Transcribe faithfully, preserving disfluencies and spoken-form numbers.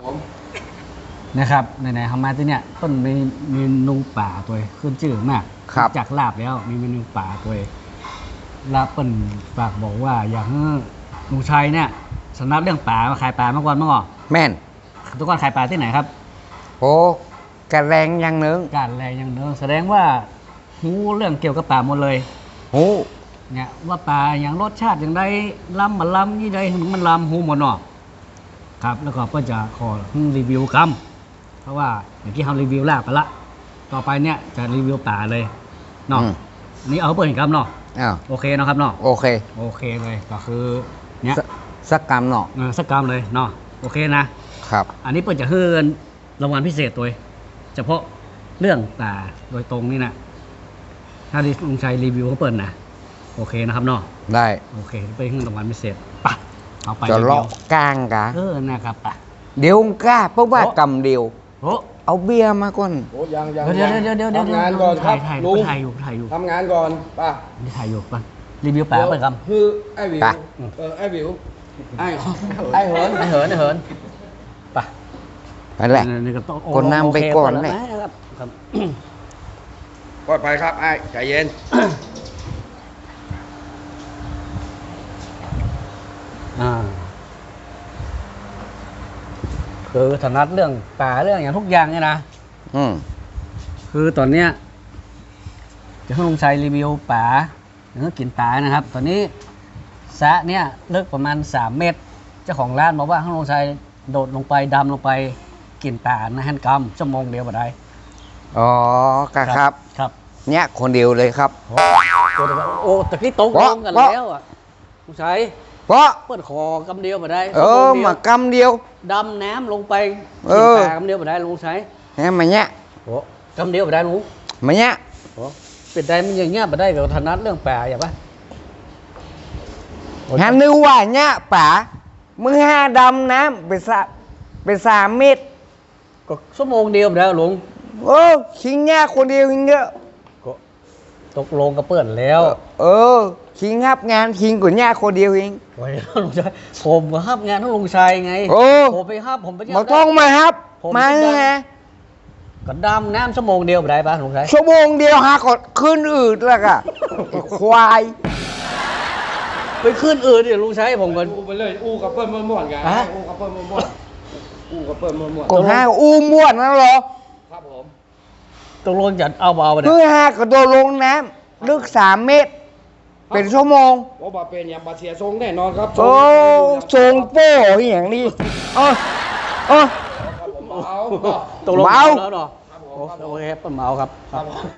นะครับไหนๆทำมาที่เนี่ยต้นมีเมนูป่าตัวขึ้นชื่อมากจากลาบแล้วมีเมนูป่าตัวลาบเปิ่นฝากบอกว่าอยากให้ลุงชัยเนี่ยสำนักเรื่องป่ามาขายป่าเมื่อก่อนเมื่อก่อนแม่นทุกคนขายป่าที่ไหนครับโอ้กระแรงยังนึงการแรงยังเนื้อแสดงว่าหูเรื่องเกี่ยวกับป่าหมดเลยหูเนี่ยว่าป่าอย่างรสชาติอย่างไรล้ำมันล้ำยี่ใดมันล้ำหูหมดเนาะครับแล้วก็เพื่อจะขอรีวิวคำเพราะว่าอย่างที่ทำรีวิวลาบไปละต่อไปเนี่ยจะรีวิวป่าเลยเนาะอันนี้เอาเปิดเห็นคำเนาะโอเคเนาะครับเนาะโอเคโอเคเลยก็คือเนี่ยสักกรรมเนาะสักกรรมเลยเนาะโอเคนะครับอันนี้เปิดจะเฮือนรางวัลพิเศษตัวเฉพาะเรื่องป่าโดยตรงนี่นะถ้าที่ลุงชัยรีวิวเขาเปิดนะโอเคนะครับเนาะได้โอเคไปเฮือนรางวัลพิเศษปะเอาไปจะเลาะกลางกะเออนะครับปะเดี๋ยวกล้าเพราะว่ากรรมเดียวโอ้เอาเบียร์มาก่อนโอ้ยังยังเดี๋ยวเดี๋ยวเดี๋ยวเดี๋ยวทำงานก่อนครับถ่ายลุงถ่ายอยู่ถ่ายอยู่ทำงานก่อนป่ะนี่ถ่ายอยู่ป่ะรีวิวป่าเปิดคำคือไอ้วิวเออไอ้วิวไอ้ไอ้เหินไอ้เหินไอ้เหินปะนั่นแหละคนนำไปก่อนเลยปลอดภัยครับไอ้ใจเย็นอ่าคือถนัดเรื่องป่าเรื่องอย่างทุกอย่างเนี่ยนะอืมคือตอนเนี้ยจะให้ลุงชัยรีวิวป่าอย่างกินป่านะครับ ตอนนี้สระเนี่ยลึกประมาณสามเมตรเจ้าของร้านบอกว่าให้ลุงชัยโดดลงไปดำลงไปกินป่านะฮันกรรมชั่วโมงเดียวบ่ได้อ๋อครับครับเนี่ยคนเดียวเลยครับโอ้ตะกี้โต๊ะลงกันแล้วอ่ะลุงชัยเพราะเปิดคอกำเดียวมาได้เออมากำเดียวดำน้ำลงไปกินปลากำเดียวมาได้ลุงใช้แหมมาเนี้ยโอ้กำเดียวมาได้ลุงมาเนี้ยโอ้เป็นได้มันอย่างเงี้ยมาได้กับถนัดเรื่องป่าอย่างปะฮะนึกว่าเนี้ยป่ามือห้าดำน้ำเป็นสามเป็นสามเมตรก็ชั่วโมงเดียวมาได้ลุงโอ้คิงเนี้ยคนเดียวคิงเยอะก็ตกลงกับเปิดแล้วเออคิงครับงานคิงกว่าเนี้ยคนเดียวเองโอ้ยลุงชัยผมก็ฮับงานทั้งลุงชัยไงโอ้ผมไปฮับผมไปมาต้องมาฮับมาไงก็ดำน้ำชั่วโมงเดียวมาได้ปะลุงชัยชั่วโมงเดียวหากดขึ้นอืดแล้วก็ควายไปขึ้นอืดเดี๋ยวลุงชัยผมก็อู้ไปเลยอู้กับเปิ้ลม้วนๆกันอู้กับเปิ้ลม้วนๆอู้กับเปิ้ลม้วนๆก็ห้าอู้ม้วนนั่นหรอครับผมตกลงจะเอาเบาไปเนี่ยคือห้ากระโดดลงน้ำลึกสามเมตรเป็นชั่วโมงโอ้บาเป็นอย่างบาเสียทรงแน่นอนครับโอ้ทรงโป้อย่างนี้เออเออตกลงเมาแล้วเนาะโอเคเปิ้ลเมาครับ